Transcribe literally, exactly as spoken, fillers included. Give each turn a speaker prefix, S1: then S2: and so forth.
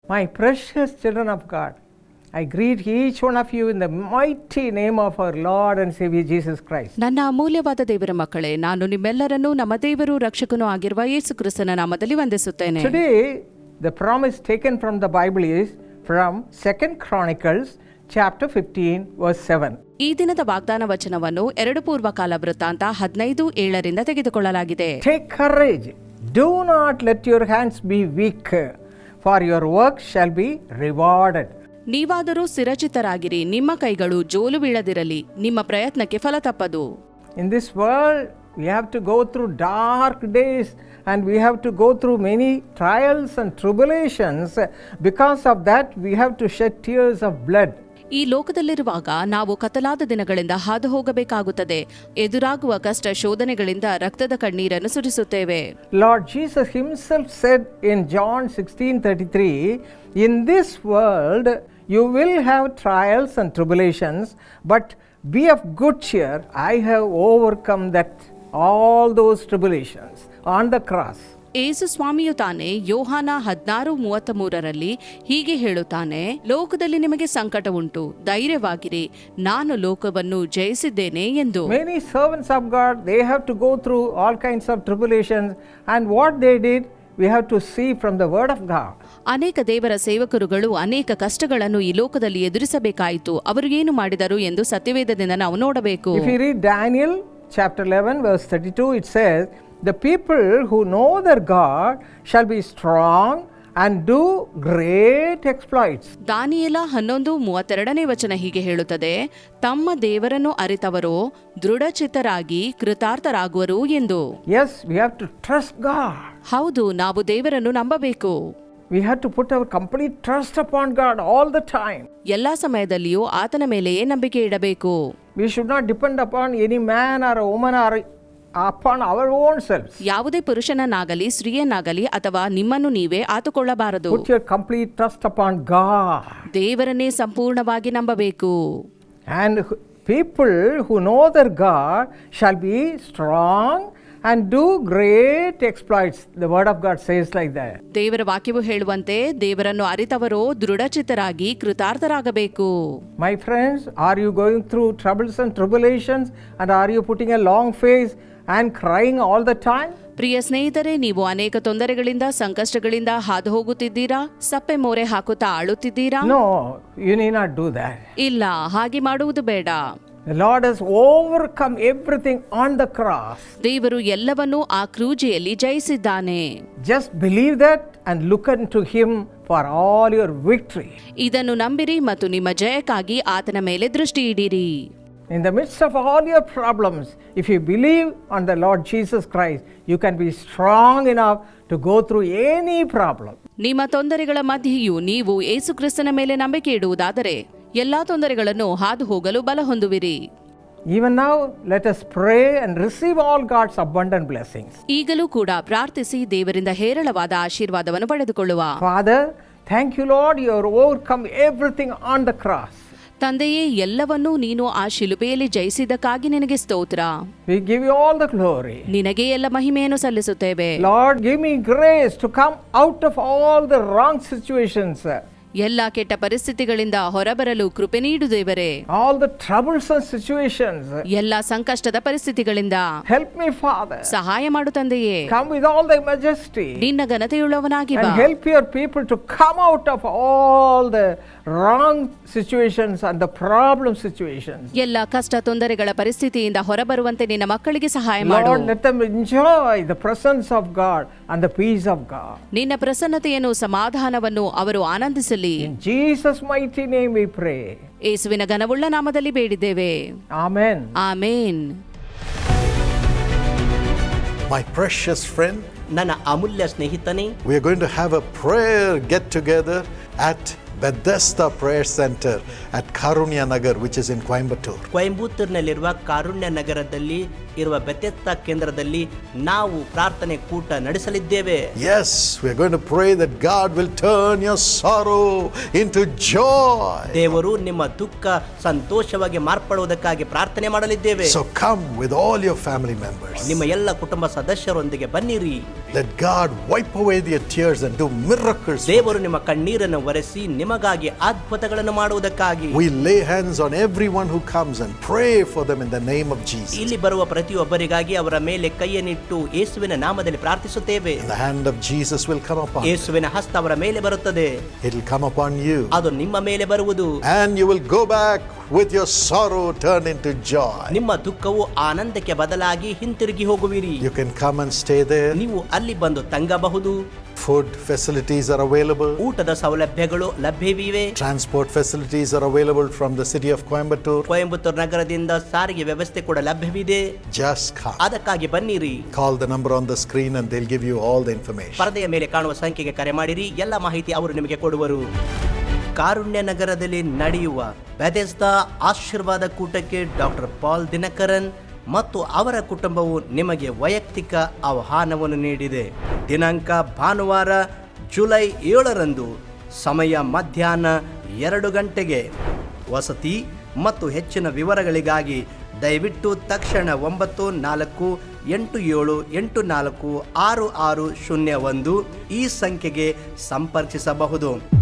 S1: My precious children of God, I greet each one of you in the mighty name of our Lord and Savior Jesus Christ.
S2: ನನ್ನ ಅಮೂಲ್ಯವಾದ ದೇವರ ಮಕ್ಕಳೇ, ನಾನು ನಿಮ್ಮೆಲ್ಲರನ್ನೂ ನಮ್ಮ ದೇವರು ರಕ್ಷಕನೂ ಆಗಿರುವ ಯೇಸು ಕ್ರಿಸ್ತನ ನಾಮದಲ್ಲಿ ವಂದಿಸುತ್ತೇನೆ.
S1: Today, the promise taken from the Bible is from Second Chronicles chapter fifteen verse seven.
S2: ಈ ದಿನದ ವಾಗ್ದಾನ ವಚನವನ್ನು ಎರಡು ಪೂರ್ವಕಾಲ ವೃತ್ತಾಂತ ಹದಿನೈದು ಏಳರಿಂದ ತೆಗೆದುಕೊಳ್ಳಲಾಗಿದೆ.
S1: Take courage, do not let your hands be weak, for your work shall be rewarded.
S2: ನೀವಾದರೂ ಸ್ಥಿರಚಿತ್ತರಾಗಿರಿ, ನಿಮ್ಮ ಕೈಗಳು ಜೋಲು ಬೀಳದಿರಲಿ, ನಿಮ್ಮ ಪ್ರಯತ್ನಕ್ಕೆ ಫಲ ತಪ್ಪದು.
S1: In this world, we have to go through dark days and we have to go through many trials and tribulations. Because of that, we have to shed tears of blood.
S2: ಈ ಲೋಕದಲ್ಲಿರುವಾಗ ನಾವು ಕತ್ತಲಾದ ದಿನಗಳಿಂದ ಹಾದು ಹೋಗಬೇಕಾಗುತ್ತದೆ. ಎದುರಾಗುವ ಕಷ್ಟ ಶೋಧನೆಗಳಿಂದ ರಕ್ತದ ಕಣ್ಣೀರನ್ನು ಸುರಿಸುತ್ತೇವೆ.
S1: Lord Jesus himself said in John sixteen thirty-three, in this world you will have trials and tribulations, but be of good cheer, I have overcome that all those tribulations on the cross.
S2: ಯೇಸು ಸ್ವಾಮಿಯು ತಾನೇ ಯೋಹಾನ ಹದಿನಾರು ಮೂವತ್ತ ಮೂರರಲ್ಲಿ ಹೀಗೆ ಹೇಳುತ್ತಾನೆ, ಲೋಕದಲ್ಲಿ ನಿಮಗೆ ಸಂಕಟ ಉಂಟು, ಧೈರ್ಯವಾಗಿರಿ, ನಾನು ಲೋಕವನ್ನು ಜಯಿಸಿದ್ದೇನೆ ಎಂದು.
S1: Many servants of God, they have to go through all kinds of tribulations, and what they did, we have to see from the word of God.
S2: ಅನೇಕ ದೇವರ ಸೇವಕರುಗಳು ಅನೇಕ ಕಷ್ಟಗಳನ್ನು ಈ ಲೋಕದಲ್ಲಿ ಎದುರಿಸಬೇಕಾಯಿತು. ಅವರು ಏನು ಮಾಡಿದರು ಎಂದು ಸತ್ಯವೇದದಿಂದ ನಾವು ನೋಡಬೇಕು.
S1: If you read Daniel chapter eleven verse thirty-two, it says, the people who know their God shall be strong and do great exploits.
S2: ದಾನಿಯೇಲ ಹನ್ನೊಂದು ಮೂವತ್ತೆರಡನೇ ವಚನ ಹೀಗೆ ಹೇಳುತ್ತದೆ, ತಮ್ಮ ದೇವರನ್ನು ಅರಿತವರು ದೃಢಚಿತ್ತರಾಗಿ ಕೃತಾರ್ಥರಾಗುವರು ಎಂದು.
S1: Yes, we have to trust God.
S2: ಹೌದು, ನಾವು ದೇವರನ್ನು ನಂಬಬೇಕು.
S1: We have to put our complete trust upon God all the time.
S2: ಎಲ್ಲಾ ಸಮಯದಲ್ಲಿಯೂ ಆತನ ಮೇಲೆಯೇ ನಂಬಿಕೆ ಇಡಬೇಕು.
S1: We should not depend upon any man or a woman or upon our own selves.
S2: ಯಾವುದೇ ಪುರುಷನನ್ನಾಗಲಿ ಸ್ತ್ರೀಯನ್ನಾಗಲಿ ಅಥವಾ ನಿಮ್ಮನ್ನು ನೀವೇ ಆತುಕೊಳ್ಳಬಾರದು.
S1: Put your complete trust upon God.
S2: ದೇವರನ್ನೇ ಸಂಪೂರ್ಣವಾಗಿ ನಂಬಬೇಕು.
S1: And people who know their God shall be strong and do great exploits. The word of God says like that.
S2: ದೇವರ ವಾಕ್ಯವು ಹೇಳುವಂತೆ ದೇವರನ್ನು ಅರಿತವರು ದೃಢಚಿತ್ತರಾಗಿ ಕೃತಾರ್ಥರಾಗಬೇಕು.
S1: My friends, are you going through troubles and tribulations, and are you putting a long face and crying all the time?
S2: ಪ್ರಿಯ ಸ್ನೇಹಿತರೆ, ನೀವು ಅನೇಕ ತೊಂದರೆಗಳಿಂದ ಸಂಕಷ್ಟಗಳಿಂದ ಹಾದು ಹೋಗುತ್ತಿದ್ದೀರಾ? ಸಪ್ಪೆ ಮೋರೆ ಹಾಕುತ್ತಾ ಅಳುತ್ತಿದ್ದೀರಾ?
S1: No, you need not do that.
S2: ಇಲ್ಲ, ಹಾಗೆ ಮಾಡುವುದು ಬೇಡ.
S1: The Lord has overcome everything on the cross.
S2: ದೇವರು ಎಲ್ಲವನ್ನೂ ಆ ಕ್ರೂಜೆಯಲ್ಲಿ ಜಯಿಸಿದ್ದಾನೆ.
S1: Just believe that and look unto him for all your victory.
S2: ಇದನ್ನು ನಂಬಿರಿ ಮತ್ತು ನಿಮ್ಮ ಜಯಕ್ಕಾಗಿ ಆತನ ಮೇಲೆ ದೃಷ್ಟಿ ಇಡಿರಿ.
S1: In the midst of all your problems, if you believe on the Lord Jesus Christ, you can be strong enough to go through any problem.
S2: ನಿಮ್ಮ ತೊಂದರೆಗಳ ಮಧ್ಯೆಯೂ ನೀವು ಯೇಸು ಕ್ರಿಸ್ತನ ಮೇಲೆ ನಂಬಿಕೆ ಇಡುವುದಾದರೆ ಎಲ್ಲಾ ತೊಂದರೆಗಳನ್ನು ಹಾದು ಹೋಗಲು ಬಲ ಹೊಂದುವಿರಿ.
S1: Even now, let us pray and receive all God's abundant blessings.
S2: ಈಗಲೂ ಕೂಡ ಪ್ರಾರ್ಥಿಸಿ ದೇವರಿಂದ ಹೇರಳವಾದ ಆಶೀರ್ವಾದವನ್ನು ಪಡೆದುಕೊಳ್ಳುವ.
S1: Father, thank you, Lord, you have overcome everything on the cross.
S2: ತಂದೆಯೇ, ಎಲ್ಲವನ್ನೂ ನೀನು ಆ ಶಿಲುಬೆಯಲ್ಲಿ ಜಯಿಸಿದ್ದಕ್ಕಾಗಿ ನಿನಗೆ ಸ್ತೋತ್ರ.
S1: We give you all the glory.
S2: ನಿನಗೆ ಎಲ್ಲ ಮಹಿಮೆಯನ್ನು ಸಲ್ಲಿಸುತ್ತೇವೆ.
S1: Lord, give me grace to come out of all the wrong situations.
S2: ಎಲ್ಲ ಕೆಟ್ಟ ಪರಿಸ್ಥಿತಿಗಳಿಂದ ಹೊರಬರಲು ಕೃಪೆ ನೀಡು ದೇವರೇ.
S1: All the troublesome situations.
S2: ಎಲ್ಲ ಸಂಕಷ್ಟದ ಪರಿಸ್ಥಿತಿಗಳಿಂದ
S1: Help me, Father.
S2: ಸಹಾಯ ಮಾಡು ತಂದೆಯೇ.
S1: Come with all thy majesty.
S2: ನಿನ್ನ ಘನತೆಯುಳ್ಳವನಾಗಿ ಬಾ.
S1: And help your people to come out of all the wrong situations and the problem situations.
S2: ಎಲ್ಲ ಕಷ್ಟ ತೊಂದರೆಗಳ ಪರಿಸ್ಥಿತಿಯಿಂದ ಹೊರಬರುವಂತೆ ನಿನ್ನ ಮಕ್ಕಳಿಗೆ ಸಹಾಯ ಮಾಡು.
S1: Lord, let them enjoy the presence of God and the peace of God.
S2: ನಿನ್ನ ಪ್ರಸನ್ನತೆಯನ್ನು ಸಮಾಧಾನವನ್ನು ಅವರು ಆನಂದಿಸಲಿ.
S1: In Jesus' mighty name we pray.
S2: ಯೇಸುವಿನ ಘನವುಳ್ಳ ನಾಮದಲ್ಲಿ ಬೇಡಿದ್ದೇವೆ.
S1: Amen.
S2: Amen.
S3: My precious friend,
S4: ನನ್ನ ಅಮೂಲ್ಯ ಸ್ನೇಹಿತನೇ,
S3: we are going to have a prayer get together at Bethesda Prayer Center at Karunya Nagar, which is in Coimbatore.
S4: ಕೊಯಂಬತ್ತೂರಿನಲ್ಲಿರುವ ಕಾರುಣ್ಯ ನಗರದಲ್ಲಿ ಇರುವ Bethesda ಕೇಂದ್ರದಲ್ಲಿ ನಾವು ಪ್ರಾರ್ಥನೆ ಕೂಟ ನಡೆಸಲಿದ್ದೇವೆ.
S3: Yes, we are going to pray that God will turn your sorrow into joy.
S4: ದೇವರು ನಿಮ್ಮ ದುಃಖ ಸಂತೋಷವಾಗಿ ಮಾರ್ಪಡುವುದಕ್ಕಾಗಿ ಪ್ರಾರ್ಥನೆ ಮಾಡಲಿದ್ದೇವೆ.
S3: So come with all your family members.
S4: ನಿಮ್ಮ ಎಲ್ಲ ಕುಟುಂಬ ಸದಸ್ಯರೊಂದಿಗೆ ಬನ್ನಿರಿ.
S3: Let God wipe away their tears and do miracles.
S4: ದೇವರು ನಿಮ್ಮ ಕಣ್ಣೀರನ್ನು ಒರೆಸಿ ನಿಮಗಾಗಿ ಅದ್ಭುತಗಳನ್ನು ಮಾಡುವುದಕ್ಕಾಗಿ.
S3: We lay hands on everyone who comes and pray for them in the name of Jesus.
S4: ಇಲ್ಲಿ ಬರುವ ಪ್ರತಿಯೊಬ್ಬರಿಗಾಗಿ ಅವರ ಮೇಲೆ ಕೈಯನ್ನಿಟ್ಟು ಯೇಸುವಿನ ನಾಮದಲ್ಲಿ ಪ್ರಾರ್ಥಿಸುತ್ತೇವೆ.
S3: The hand of Jesus will come upon you.
S4: ಯೇಸುವಿನ ಹಸ್ತ ಅವರ ಮೇಲೆ ಬರುತ್ತದೆ.
S3: It will come upon you.
S4: ಅದು ನಿಮ್ಮ ಮೇಲೆ ಬರುವುದು.
S3: And you will go back with your sorrow turned into joy.
S4: ನಿಮ್ಮ ದುಃಖವು ಆನಂದಕ್ಕೆ ಬದಲಾಗಿ ಹಿಂತಿರುಗಿ ಹೋಗುವಿರಿ.
S3: You can come and stay there.
S4: ನೀವು ಅಲ್ಲಿ ಬಂದು ತಂಗಬಹುದು.
S3: Food facilities are available.
S4: ಊಟದ ಸೌಲಭ್ಯಗಳು ಲಭ್ಯವಿವೆ.
S3: Transport facilities are available from the city of Coimbatore.
S4: Coimbatore ನಗರದಿಂದ ಸಾರಿಗೆ ವ್ಯವಸ್ಥೆ ಕೂಡ ಲಭ್ಯವಿದೆ.
S3: Just come.
S4: ಅದಕ್ಕಾಗಿ ಬನ್ನಿರಿ.
S3: Call the number on the screen and they'll give you all the information.
S4: ಪರದೆಯ ಮೇಲೆ ಕಾಣುವ ಸಂಖ್ಯೆಗೆ ಕರೆ ಮಾಡಿರಿ. ಎಲ್ಲ ಮಾಹಿತಿ ಅವರು ನಿಮಗೆ ಕೊಡುವರು. ಕಾರುಣ್ಯ ನಗರದಲ್ಲಿ ನಡೆಯುವ ಬೆಥೆಸ್ದಾ ಆಶೀರ್ವಾದ ಕೂಟಕ್ಕೆ ಡಾಕ್ಟರ್ ಪಾಲ್ ದಿನಕರನ್ ಮತ್ತು ಅವರ ಕುಟುಂಬವು ನಿಮಗೆ ವೈಯಕ್ತಿಕ ಆಹ್ವಾನವನ್ನು ನೀಡಿದೆ. ದಿನಾಂಕ ಭಾನುವಾರ ಜುಲೈ ಏಳರಂದು, ಸಮಯ ಮಧ್ಯಾಹ್ನ ಎರಡು ಗಂಟೆಗೆ. ವಸತಿ ಮತ್ತು ಹೆಚ್ಚಿನ ವಿವರಗಳಿಗಾಗಿ ದಯವಿಟ್ಟು ತಕ್ಷಣ ಒಂಬತ್ತು ನಾಲ್ಕು ಎಂಟು ಏಳು ಎಂಟು ನಾಲ್ಕು ಆರು ಆರು ಶೂನ್ಯ ಒಂದು ಈ ಸಂಖ್ಯೆಗೆ ಸಂಪರ್ಕಿಸಬಹುದು.